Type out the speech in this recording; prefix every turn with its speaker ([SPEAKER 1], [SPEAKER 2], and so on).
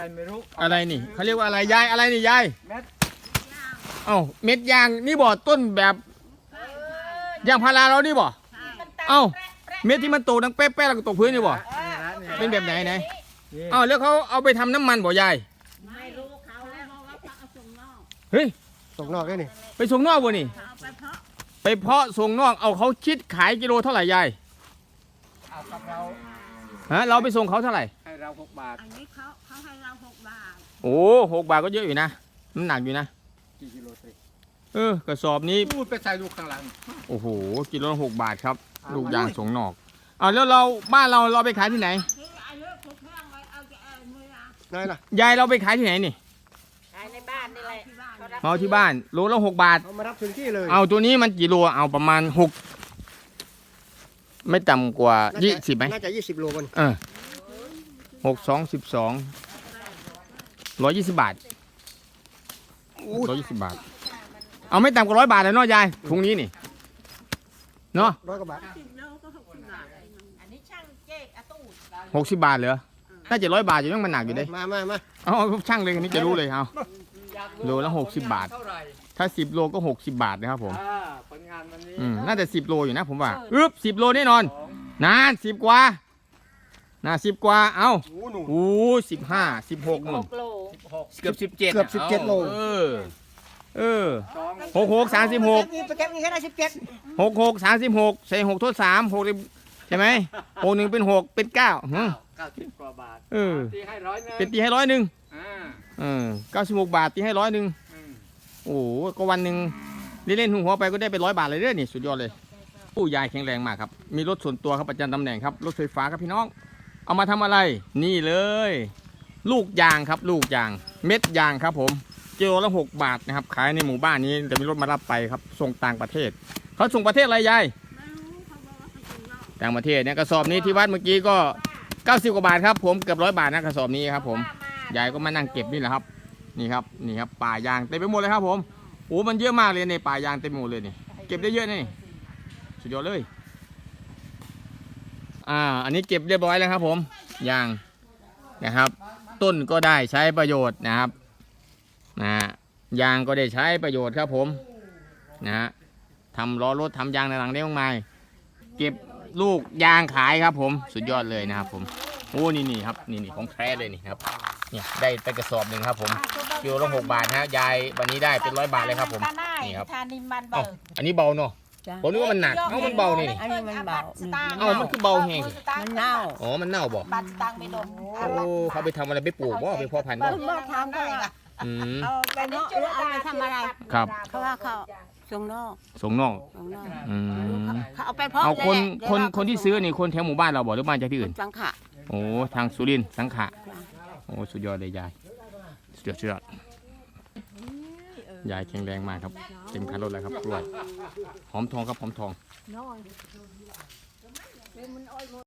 [SPEAKER 1] ไม่รู้
[SPEAKER 2] อะไรนี่เขาเรียกว่าอะไรยายอะไรนี่ยาย
[SPEAKER 1] เม็ด
[SPEAKER 2] เอ้าเม็ดยางนี่บ่ต้นแบบยางพาราเรานี่บ่เอ้าเม็ดที่มันโตดังเป๊ะๆแล้วก็ตกพื้นนี่บ่เป็นแบบไหนเอ้าแล้วเขาเอาไปทำน้ำมันบ่ยาย
[SPEAKER 3] ไม่รู้เขาแล้วว่าเขาเอาส่งนอก
[SPEAKER 2] เฮ้ย
[SPEAKER 1] ส่งนอกได้นี่
[SPEAKER 2] ไปส่งนอกบ่นี่
[SPEAKER 3] ไปเพาะ
[SPEAKER 2] ส่งนอกเอาเขาคิดขายกิโลเท่าไหร่ยาย
[SPEAKER 1] เอากับเรา
[SPEAKER 2] ฮะเราไปส่งเขาเท่าไหร่
[SPEAKER 1] ให้เรา6 บาท
[SPEAKER 3] อันนี้เขาให้เรา6 บาท
[SPEAKER 2] โอ้6 บาทก็เยอะอยู่นะมันหนักอยู่นะ
[SPEAKER 1] กี่กิโลสิ
[SPEAKER 2] กระสอบนี้
[SPEAKER 1] พูดไปใส่ลูกข้างหลัง
[SPEAKER 2] โอ้โหกิโลละ6 บาทครับลูกยางส่งนอกแล้วเราบ้านเราไปขายที่ไหนยายเราไปขายที่ไหนนี่
[SPEAKER 3] ขายในบ้านนี่แหละ
[SPEAKER 2] เอาที่บ้านโลละ6 บาท
[SPEAKER 1] เอามารับถึงที่เลย
[SPEAKER 2] เอาตัวนี้มันกี่โลเอาประมาณ6ไม่ต่ำกว่า20ไหม
[SPEAKER 1] น่าจะ20 โลมัน
[SPEAKER 2] 6 2 12 120 บาท120 บาทเอาไม่ต่ำกว่า100 บาทเลยเนาะยายถุงนี้นี่เนาะ
[SPEAKER 1] 100 กว่าบาท
[SPEAKER 3] อันนี้ช่างเจ๊อาตู้
[SPEAKER 2] 60 บาทเหรอน่าจะ100 บาทอยู่ยังมันหนักอยู่เด้
[SPEAKER 1] มา
[SPEAKER 2] เอาช่างเลยอันนี้จะรู้เลยเอาโลละ60 บาทถ้า10 โลก็60 บาทนะครับผม
[SPEAKER 1] ผลงานวันนี้
[SPEAKER 2] น่าจะ10 โลอยู่นะผมว่า10 โลแน่นอนนาน10 กว่า10 กว่าเอาโอ้15 16นู่นเกือบ17เ
[SPEAKER 1] กือบ17 โล
[SPEAKER 2] 66 36
[SPEAKER 1] ไปเก็บนี่แค่ได้17
[SPEAKER 2] 66 36ใส่6 ทด 3 6ใช่ไหม61เป็น6เป็น9
[SPEAKER 1] 90 กว่าบาทตีให้100
[SPEAKER 2] เป็นตีให้10096 บาทตีให้100โอ้ก็วันหนึ่งเล่นหัวไปก็ได้ไป100 บาทเลยเด้อนี่สุดยอดเลยผู้ยายแข็งแรงมากครับมีรถส่วนตัวครับประจำตำแหน่งครับรถไฟฟ้าครับพี่น้องเอามาทำอะไรนี่เลยลูกยางครับลูกยางเม็ดยางครับผมกิโลละ6 บาทนะครับขายในหมู่บ้านนี้จะมีรถมารับไปครับส่งต่างประเทศเขาส่งประเทศอะไรยายต่างประเทศเนี่ยกระสอบนี้ที่วัดเมื่อกี้ก็90 กว่าบาทครับผมเกือบ100 บาทนะกระสอบนี้ครับผมยายก็มานั่งเก็บนี่แหละครับนี่ครับป่ายางเต็มไปหมดเลยครับผมโอ้มันเยอะมากเลยในป่ายางเต็มไปหมดเลยนี่เก็บได้เยอะนี่สุดยอดเลยอันนี้เก็บเรียบร้อยแล้วครับผมยางนะครับต้นก็ได้ใช้ประโยชน์นะครับยางก็ได้ใช้ประโยชน์ครับผมนะฮะทำล้อรถทำยางต่างๆได้มากมายเก็บลูกยางขายครับผมสุดยอดเลยนะครับผมโอ้นี่ครับนี่ของแท้เลยนี่ครับเนี่ยได้ไปกระสอบหนึ่งครับผมกิโลละ6 บาทนะยายวันนี้ได้เป็น100 บาทเลยครับผมนี่ครับอันนี้เบาเนาะผมนึกว่ามันหนักมันเบานี่
[SPEAKER 3] อันนี้มันเบา
[SPEAKER 2] มันคือเบาแห้ง
[SPEAKER 3] มันเน่า
[SPEAKER 2] มันเน่าบ่
[SPEAKER 3] บัตรตังไม่ดม
[SPEAKER 2] เขาไปทำอะไรไปปลูกบ่ไปเพาะพันธุ์บ่
[SPEAKER 3] ทำก็เอาไปเนาะหรือเอาไปทำอะไร
[SPEAKER 2] ครับ
[SPEAKER 3] เขาว่าเขาส่งนอกเขาเอาไปเพาะ
[SPEAKER 2] เอาคนที่ซื้อนี่คนแถวหมู่บ้านเราบ่หรือบ้านจากที่อื่น
[SPEAKER 3] สังขะ
[SPEAKER 2] โอ้ทางสุรินทร์สังขะโอ้สุดยอดเลยยายสุดยอดยายแข็งแรงมากครับเต็มคันรถแล้วครับกล้วยหอมทองครับหอมทอง